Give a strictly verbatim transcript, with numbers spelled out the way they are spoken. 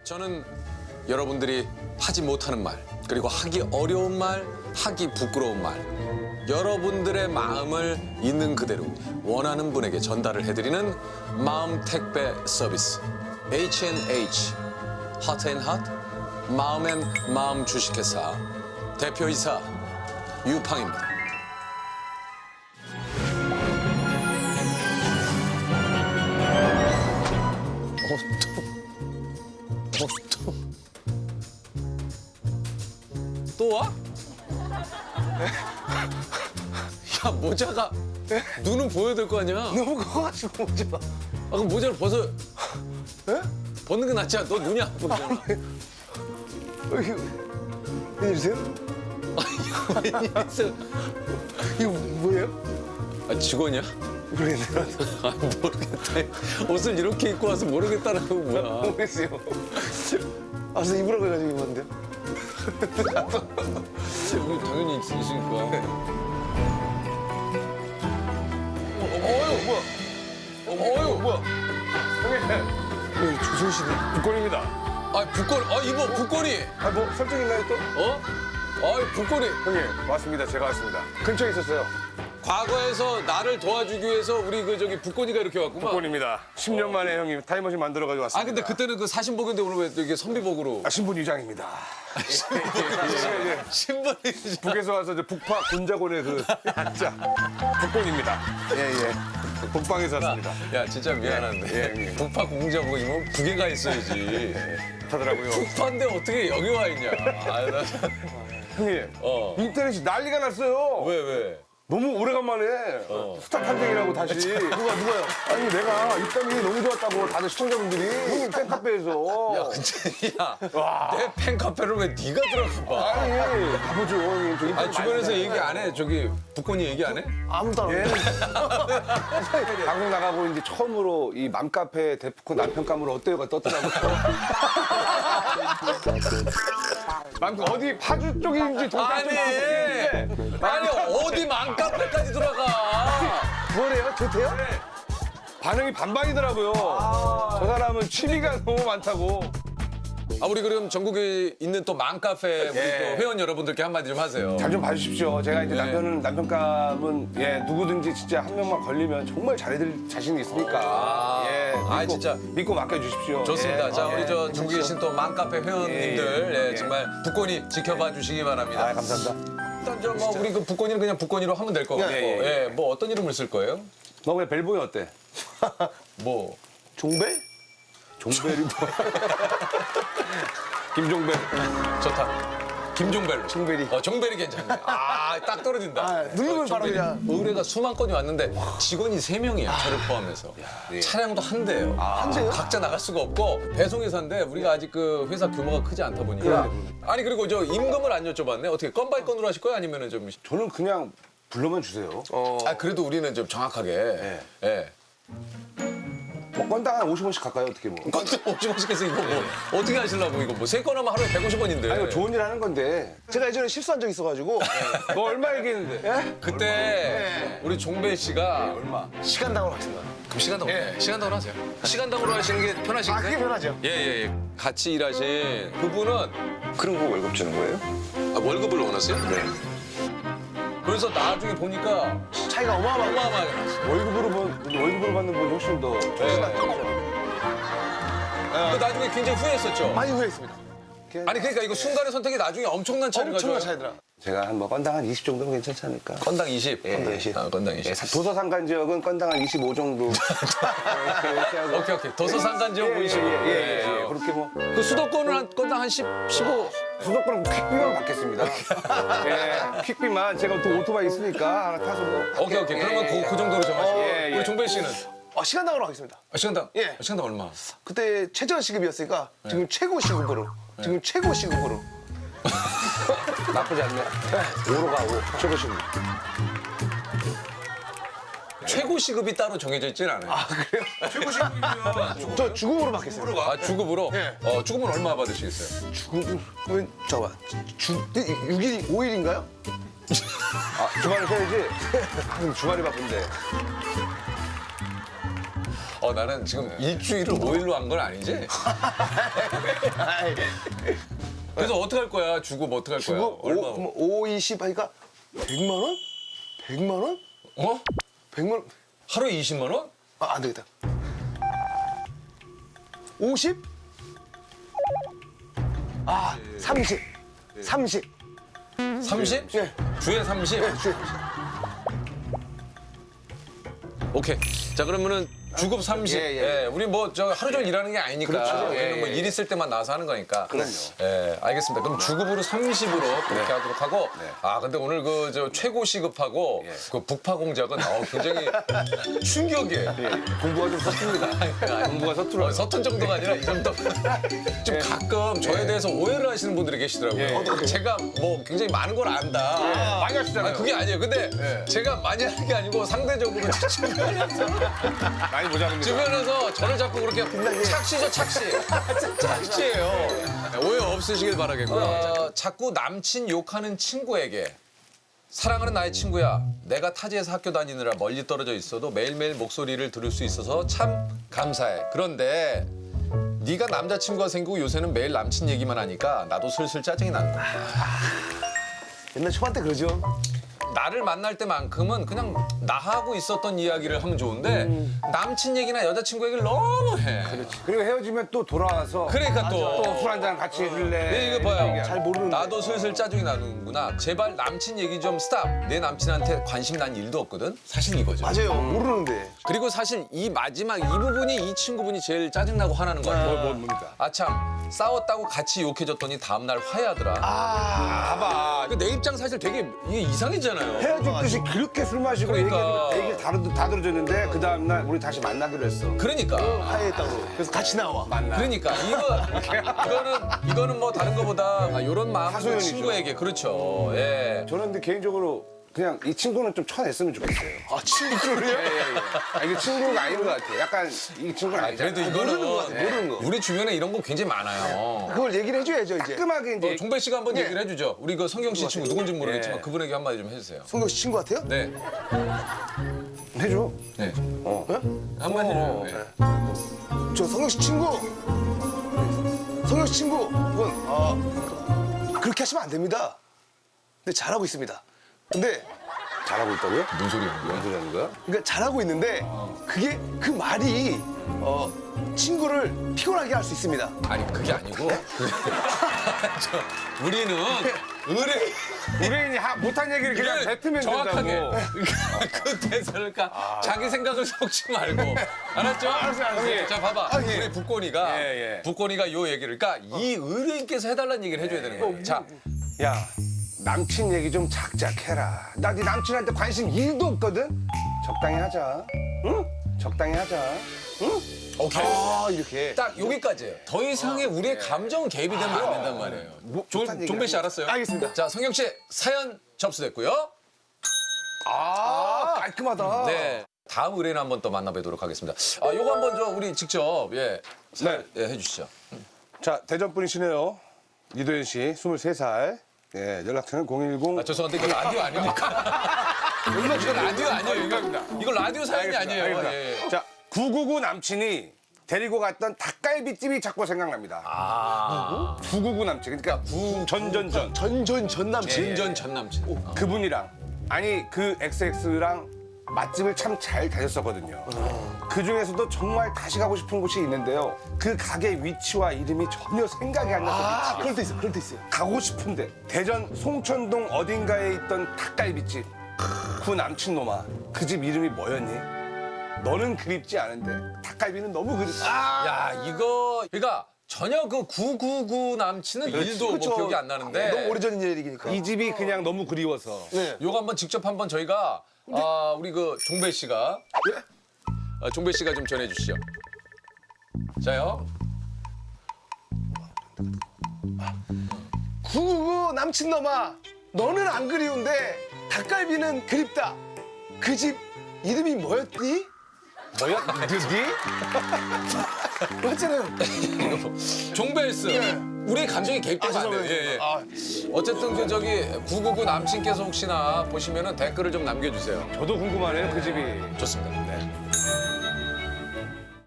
저는 여러분들이 하지 못하는 말, 그리고 하기 어려운 말, 하기 부끄러운 말, 여러분들의 마음을 있는 그대로 원하는 분에게 전달을 해드리는 마음 택배 서비스 에이치 앤 에이치 Hot and Hot 마음 앤 마음 주식회사 대표이사 유팡입니다. 어, 또, 어, 또, 또 와? 야, 모자가 눈은 보여야 될 거 아니야? 너무 커가지고 오지 마. 아, 그럼 모자를 벗어. 에? 벗는 게 낫지 않아? 너 눈이 안 보이잖아. 어, 이거 웬일이세요? 웬일이세요? 이거 뭐예요? 아, 직원이야? 모르겠네요. 아, 모르겠다. 옷을 이렇게 입고 와서 모르겠다라고 뭐야. 모르겠어요. 아, 그래서 입으라고 해가지고 입었는데요. 여기 당연히 있, 있으니까. 어휴, 뭐야? 어휴, 뭐야? 형님, 여기 조선 씨네. 북권입니다. 아, 북걸이. 아, 입어, 북걸이. 아, 뭐 설정 있나요 또? 어? 아, 북걸이. 형님, 왔습니다. 제가 왔습니다. 근처에 있었어요. 과거에서 나를 도와주기 위해서 우리 그 저기 북건이가 이렇게 왔구만. 북권입니다. 십 년 만에 형님 타임머신 만들어가지고 왔습니다. 아 근데 그때는 그 사신복인데 오늘 왜 이게 선비복으로? 아, 신분 위장입니다. 신발이. 북에서 와서 저 북파 군자곤의 그 자 북권입니다. 예, 예. 북방에서 왔습니다. 야 진짜 미안한데 예, 예. 북파 공자복이면 북에 가 있어야지. 하더라고요. 북파인데 어떻게 여기 와 있냐? 아, 나 참- 형님, 어. 인터넷이 난리가 났어요. 왜 왜? 너무 오래간만에 스타 탐정이라고 다시. 누가, 누가요? 아니, 내가 입담이 너무 좋았다고 다들 시청자분들이. 형님 팬카페에서. 야 근데 야내 팬카페를 왜 네가 들어가 봐? 아니, 가보죠. 형님. 저 인터넷 아니 주변에서 많이 얘기 안 해? 저기 북건이 얘기 안 해? 아무도 안 예. 와. 방송 나가고 이제 처음으로 이 맘카페 대포콘 남편감으로 어때요가 떴더라고요. 맘 어디 파주 쪽인지 동탄 아니 쪽인지 아니 어디 맘카페까지 들어가? 뭐래요? 좋대요? 반응이 반반이더라고요. 저 사람은 취미가 너무 많다고. 아 우리 그럼 전국에 있는 또 맘카페 우리 예. 또 회원 여러분들께 한마디 좀 하세요. 잘 좀 봐주십시오. 제가 이제 네. 남편은 남편감은 예 누구든지 진짜 한 명만 걸리면 정말 잘해드릴 자신이 있으니까 아, 예 아, 믿고, 진짜. 믿고 맡겨주십시오. 좋습니다. 예. 자, 예. 우리 저 전국에 계신 또 맘카페 회원님들 예, 예. 예, 정말 북건이 지켜봐 주시기 바랍니다. 아 감사합니다. 일단 저 뭐 우리 그 북건이는 그냥 북건이로 하면 될 것 같고, 예, 예, 예, 예. 뭐 어떤 이름을 쓸 거예요? 너 왜 벨보이 어때? 뭐 종벨? 종벨이 뭐? 김종벨. 좋다. 김종벨로. 종벨이. 어, 종벨이 괜찮네. 아, 딱 떨어진다. 아, 누르면 바로 종벨이. 그냥. 의뢰가 수만 건이 왔는데 직원이 세 명이야, 저를 포함해서. 차량도 한 대예요. 한 대요? 각자 나갈 수가 없고 배송회사인데 우리가 아직 그 회사 규모가 크지 않다 보니까. 아니 그리고 저 임금을 안 여쭤봤네. 어떻게 건 바이 건으로 하실 거예요? 아니면은 좀. 저는 그냥 불러만 주세요. 아 그래도 우리는 좀 정확하게. 예. 뭐 건당 한 오십 원씩 갈까요? 어떻게 뭐? 건도 오십 원씩 해서 이거 뭐 어떻게 하시려고 이거 뭐 세 건 하면 하루에 백오십 원인데. 아니, 이거 좋은 일 하는 건데. 제가 예전에 실수한 적 있어가지고 너 얼마 얘기했는데? 그때 우리 종배 씨가 얼마? 시간당으로 하겠습니다. 그럼 시간당으로 예. 시간당으로 하세요. 시간당으로 하시는 게 편하신가요? 아, 그게 편하죠. 예예 예. 같이 일하신 그분은 그런 거 월급 주는 거예요? 아, 월급을 원하세요? 네. 그래서 나중에 보니까 차이가 어마어마하게. 어마어마하게 났어요. 월급으로 번, 월급으로 받는 분이 훨씬 더. 그 나중에 굉장히 후회했었죠. 많이 후회했습니다. 아니 그러니까 이거 순간의 선택이 나중에 엄청난 차이를 엄청난 가져요. 차이더라. 제가 한 뭐 건당 한 이십 정도면 괜찮지 않을까? 건당 이십. 건당 이십. 아, 건당 이십. 예, 도서 상간 지역은 건당 한 이십오 정도. 이렇게 하고. 오케이 오케이. 도서 상간 지역 예, 예, 보이시고. 예, 예, 예. 그렇게 뭐. 그 수도권은 한 건당 한 십, 십오. 수도권은 퀵비만 받겠습니다. 예, 퀵비만 제가 또 오토바이 있으니까 하나 타서 뭐. 오케이 오케이. 그러면 그, 그 정도로 정하시고. 예, 예. 우리 종배 씨는 어, 시간당으로 하겠습니다. 아, 시간당. 예. 시간당 얼마? 그때 최저 시급이었으니까 지금 최고 시급으로. 지금 최고 시급으로. 나쁘지 않네. 오로 가, 오. 최고 시급. 최고 시급이 따로 정해져 있지는 않아요. 아, 그래요? 최고 시급이면 저 주급으로 받겠습니다. 아, 주급으로? 예. 어, 주급은 얼마 받으시겠어요? 주급은 잠깐만. 주 육 일 오 일인가요? 아, 주말에 쉬어야지. 아, 근데 주말이 바쁜데. 어, 나는 지금 일주일을 오 일로 한 건 아니지? 아이, 그래서 어떻게 할 거야? 주고 뭐 어떻게 할 거야? 주고 얼마? 오, 오, 이십 하니까 백만 원? 백만 원? 어? 백만 원? 하루에 이십만 원? 아, 안 되겠다. 오십? 아, 삼십. 삼십. 삼십? 네. 주에 삼십? 네, 주에. 오케이. 자, 그러면은 주급 삼십. 예, 예, 예. 우리 뭐 저 하루 종일 일하는 게 아니니까. 그렇죠. 우리는 예, 뭐 예. 일 있을 때만 나와서 하는 거니까. 그럼요. 예, 알겠습니다. 그럼 주급으로 삼십으로 그렇게 하도록 하고. 네. 아, 근데 오늘 그 저 최고 시급하고 그 북파 공작은 어, 굉장히 충격이에요. 예, 공부가 좀 서툽니다. 공부가 서툴어요. 어, 서툰 정도가 아니라 이 정도. 좀 가끔 저에 대해서 오해를 하시는 분들이 계시더라고요. 예. 어떡해. 제가 뭐 굉장히 많은 걸 안다. 많이 하시잖아요. 아니, 그게 아니에요. 근데 예. 제가 많이 하는 게 아니고 상대적으로 제 주변에서, 많이 보자는 거. 주변에서 저를 자꾸 그렇게 착시죠, 착시. 착시예요. 오해 없으시길 바라겠고요. 어, 자꾸 남친 욕하는 친구에게 사랑하는 나의 친구야. 내가 타지에서 학교 다니느라 멀리 떨어져 있어도 매일매일 목소리를 들을 수 있어서 참 감사해. 그런데 네가 남자친구가 생기고 요새는 매일 남친 얘기만 하니까 나도 슬슬 짜증이 난다. 옛날 초반 때 그러죠. 나를 만날 때만큼은 그냥 나하고 있었던 이야기를 하면 좋은데 남친 얘기나 여자친구 얘기를 너무 해. 그리고 헤어지면 또 돌아와서 그러니까 또. 또 술 한잔 같이 해줄래. 네, 이거 봐요. 잘 모르는데. 나도 슬슬 짜증이 나는구나. 제발 남친 얘기 좀 스탑. 내 남친한테 관심 난 일도 없거든. 사실 이거죠. 맞아요. 모르는데. 그리고 사실 이 마지막 이 부분이 이 친구분이 제일 짜증나고 화나는 거 같아요. 뭐, 뭐, 뭡니까? 아참 싸웠다고 같이 욕해줬더니 다음날 화해하더라. 아, 봐봐. 그 내 입장 사실 되게 이게 이상했잖아요. 헤어졌듯이 그렇게 술 마시고 그러니까. 얘기를, 얘기를 다, 들- 다 들어줬는데 그 다음날 우리 다시 만나기로 했어. 그러니까. 화해했다고. 그래서 같이 나와. 만나. 그러니까 이거 이거는 이거는 뭐 다른 거보다 이런 마음 하소연이죠. 친구에게 그렇죠. 예. 저는 근데 개인적으로 그냥 이 친구는 좀 쳐냈으면 좋겠어요. 아, 친구를요? 예, 예, 예. 아, 이게 친구가 아닌 것 같아. 약간 이 친구는 아니잖아. 그래도 이거는 모르는 거 같아, 모르는 거. 우리 주변에 이런 거 굉장히 많아요. 그걸 얘기를 해줘야죠, 이제. 깔끔하게 이제 어, 종배 씨가 한번 얘기를 해주죠. 우리 그 성경 씨 친구 누군지 모르겠지만 예. 그분에게 한마디 좀 해주세요. 송경 씨 친구 같아요? 네, 해줘. 네. 어. 한마디 어. 해요. 저 성경 씨 친구. 성경 씨 친구. 그건, 아, 그렇게 하시면 안 됩니다. 근데 잘하고 있습니다. 근데, 잘하고 있다고요? 뭔 소리 하는 뭔 거야? 소리 하는 거야? 그러니까 잘하고 있는데, 그게, 그 말이, 어, 친구를 피곤하게 할 수 있습니다. 아니 그게 아니고 그- 저, 우리는 의뢰 의뢰인이 하- 못한 얘기를 그냥 이걸 뱉으면 정확하게 된다고. 그 대사를 그러니까 자기 생각을 섞지 말고 알았죠? 알았어요, 알았어요. 자 봐봐 아, 예. 우리 북권이가 예, 예. 북권이가 요 얘기를 그러니까 이 의뢰인께서 해달라는 얘기를 해줘야 되는 거예요. 자 야, 남친 얘기 좀 작작해라. 나 네 남친한테 관심 일도 없거든? 적당히 하자. 응? 적당히 하자. 응? 오케이 아, 이렇게. 딱 여기까지예요. 더 이상의 우리의 감정 개입이 되면 안 된단 말이에요. 조, 못한 얘기 종배 씨 아니에요. 알았어요? 알겠습니다. 자 성경 씨 사연 접수됐고요. 아, 깔끔하다. 네. 다음 의뢰인 한번 또 만나보도록 하겠습니다. 아, 요거 한번 저 우리 직접 예, 사, 네. 예 해주시죠. 자, 대전 분이시네요. 이도현 씨, 스물세 살. 예, 연락처는 공일공. 아, 죄송한데 이거 라디오 아닙니까? 이거 라디오 아니에요. 이거, 이거 라디오 사연이 아니에요. 알겠습니다. 예, 예. 자, 구구구 남친이 데리고 갔던 닭갈비집이 자꾸 생각납니다. 아, 구구구 남친. 그러니까 구 전전전. 전전 전 남친. 진전 전 남친. 그분이랑 아니 그 엑스엑스랑 맛집을 참 잘 다녔었거든요. 그 중에서도 정말 다시 가고 싶은 곳이 있는데요. 그 가게 위치와 이름이 전혀 생각이 안 나서 아, 미치겠어요. 그럴 때 있어, 그럴 때 있어요. 가고 싶은데 대전 송천동 어딘가에 있던 닭갈비집. 그 남친 놈아, 그 집 이름이 뭐였니? 너는 그립지 않은데 닭갈비는 너무 그립다. 야, 이거 그러니까 전혀 그 구구구 남친은 일도 뭐 그쵸. 기억이 안 나는데. 너무 오래전 얘기니까. 이 집이 그냥 너무 그리워서. 네. 요거 한번 직접 한번 저희가 아, 우리 그 종배 씨가 예? 아, 종배 씨가 좀 전해 주시죠. 자요. 구구구 남친 놈아, 너는 안 그리운데 닭갈비는 그립다. 그 집 이름이 뭐였니? 뭐였니? 맞잖아요. 종벨스. 우리 감정이 개입되면 안 돼요. 예, 예. 아, 어쨌든 그 저기 구구구 남친께서 혹시나 보시면은 댓글을 좀 남겨주세요. 저도 궁금하네요, 그 집이. 좋습니다.